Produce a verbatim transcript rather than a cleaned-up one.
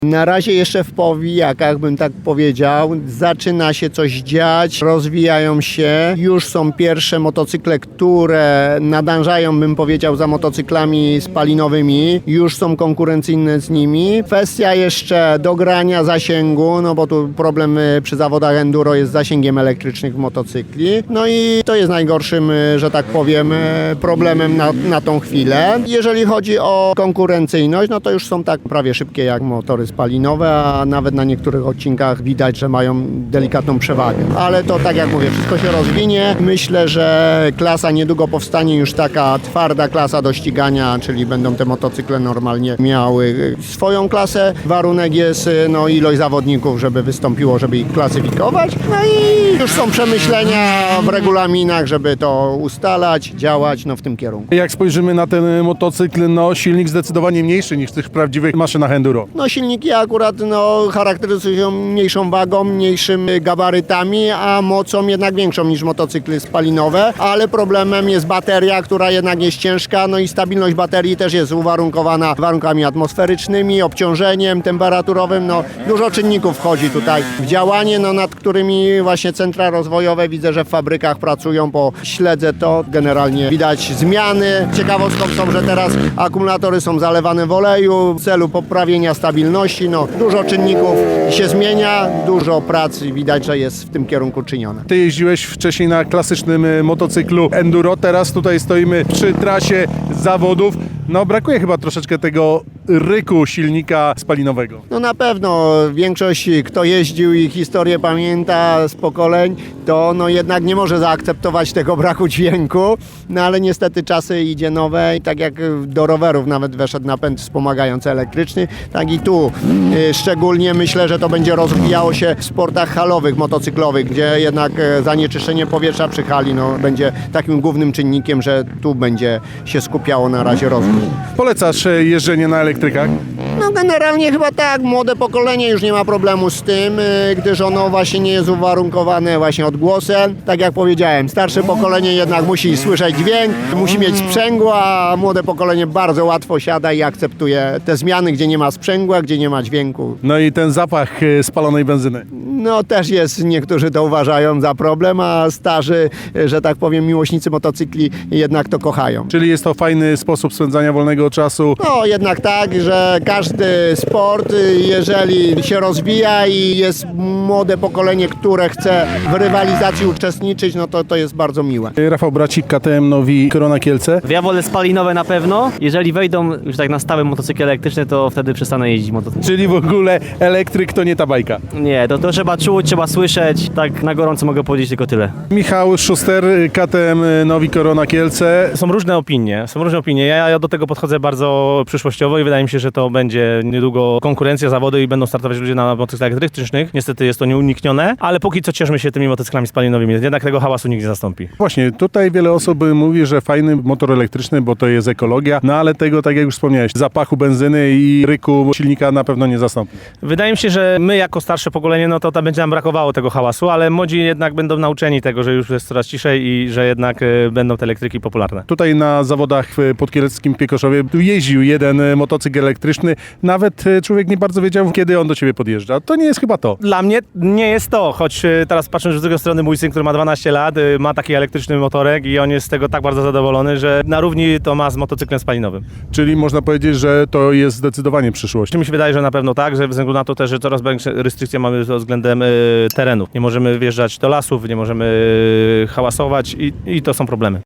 Na razie jeszcze w powijakach, bym tak powiedział, zaczyna się coś dziać, rozwijają się, już są pierwsze motocykle, które nadążają, bym powiedział, za motocyklami spalinowymi, już są konkurencyjne z nimi. Kwestia jeszcze dogrania zasięgu, no bo tu problem przy zawodach enduro jest z zasięgiem elektrycznych motocykli, no i to jest najgorszym, że tak powiem, problemem na, na tą chwilę. Jeżeli chodzi o konkurencyjność, no to już są tak prawie szybkie jak motory spalinowe, a nawet na niektórych odcinkach widać, że mają delikatną przewagę. Ale to tak jak mówię, wszystko się rozwinie. Myślę, że klasa niedługo powstanie już taka twarda klasa do ścigania, czyli będą te motocykle normalnie miały swoją klasę. Warunek jest no, ilość zawodników, żeby wystąpiło, żeby ich klasyfikować. No i już są przemyślenia w regulaminach, żeby to ustalać, działać no, w tym kierunku. Jak spojrzymy na ten motocykl, no silnik zdecydowanie mniejszy niż w tych prawdziwych maszynach enduro. No silniki akurat no, charakteryzują się mniejszą wagą, mniejszymi gabarytami, a mocą jednak większą niż motocykly spalinowe, ale problemem jest bateria, która jednak jest ciężka, no i stabilność baterii też jest uwarunkowana warunkami atmosferycznymi, obciążeniem temperaturowym, no dużo czynników wchodzi tutaj w działanie, no nad którymi właśnie centra rozwojowe widzę, że w fabrykach pracują, bo śledzę to, generalnie widać zmiany. Ciekawostką są, że teraz akumulatory są zalewane w oleju w celu poprawienia stabilności, no dużo czynników się zmienia, dużo pracy widać, że jest w tym kierunku czynione. Ty jeździłeś wcześniej na klasycznym e, motocyklu enduro, teraz tutaj stoimy przy trasie zawodów. No brakuje chyba troszeczkę tego ryku silnika spalinowego. No na pewno większość, kto jeździł i historię pamięta z pokoleń, to no jednak nie może zaakceptować tego braku dźwięku, no ale niestety czasy idzie nowe i tak jak do rowerów nawet weszedł napęd wspomagający elektryczny, tak i tu y, szczególnie myślę, że to będzie rozwijało się w sportach halowych, motocyklowych, gdzie jednak y, zanieczyszczenie powietrza przy hali no, będzie takim głównym czynnikiem, że tu będzie się skupiało na razie rozwój. Polecasz e, jeżdżenie na elektrykach? No generalnie chyba tak, młode pokolenie już nie ma problemu z tym, y, gdyż ono właśnie nie jest uwarunkowane właśnie odgłosem. Tak jak powiedziałem, starsze pokolenie jednak musi słyszeć dźwięk, musi mieć sprzęgło, a młode pokolenie bardzo łatwo siada i akceptuje te zmiany, gdzie nie ma sprzęgła, gdzie nie ma dźwięku. No i ten zapach e, spalonej benzyny. No też jest, niektórzy to uważają za problem, a starzy, y, że tak powiem, miłośnicy motocykli jednak to kochają. Czyli jest to fajny sposób spędzania wolnego czasu. No jednak tak, że każdy sport, jeżeli się rozwija i jest młode pokolenie, które chce w rywalizacji uczestniczyć, no to to jest bardzo miłe. Rafał Bracik, K T M Nowi Korona Kielce. Ja wolę spalinowe na pewno. Jeżeli wejdą już tak na stałe motocykle elektryczne, to wtedy przestanę jeździć motocyklem. Czyli w ogóle elektryk to nie ta bajka. Nie, to, to trzeba czuć, trzeba słyszeć. Tak na gorąco mogę powiedzieć tylko tyle. Michał Szuster, K T M Nowi Korona Kielce. Są różne opinie, są różne opinie. Ja, ja do tego podchodzę bardzo przyszłościowo i wydaje mi się, że to będzie niedługo konkurencja, zawody i będą startować ludzie na motocyklach elektrycznych. Niestety jest to nieuniknione, ale póki co cieszmy się tymi motocyklami spalinowymi. Jednak tego hałasu nikt nie zastąpi. Właśnie, tutaj wiele osób mówi, że fajny motor elektryczny, bo to jest ekologia, no ale tego, tak jak już wspomniałeś, zapachu benzyny i ryku silnika na pewno nie zastąpi. Wydaje mi się, że my jako starsze pokolenie, no to tam będzie nam brakowało tego hałasu, ale młodzi jednak będą nauczeni tego, że już jest coraz ciszej i że jednak y, będą te elektryki popularne. Tutaj na zawodach w podkieleckim Piekoszowie tu jeździł jeden motocykl elektryczny, nawet człowiek nie bardzo wiedział, kiedy on do ciebie podjeżdża. To nie jest chyba to. Dla mnie nie jest to, choć y, teraz patrząc z drugiej strony, mój syn, który ma dwanaście lat, y, ma taki elektryczny motorek i on jest z tego tak bardzo zadowolony, że na równi to ma z motocyklem spalinowym. Czyli można powiedzieć, że to jest zdecydowanie przyszłość. Mi się wydaje, że na pewno tak, że ze względu na to też, że coraz większe restrykcje mamy pod względem y, terenów. Nie możemy wjeżdżać do lasów, nie możemy y, hałasować i, i to są problemy.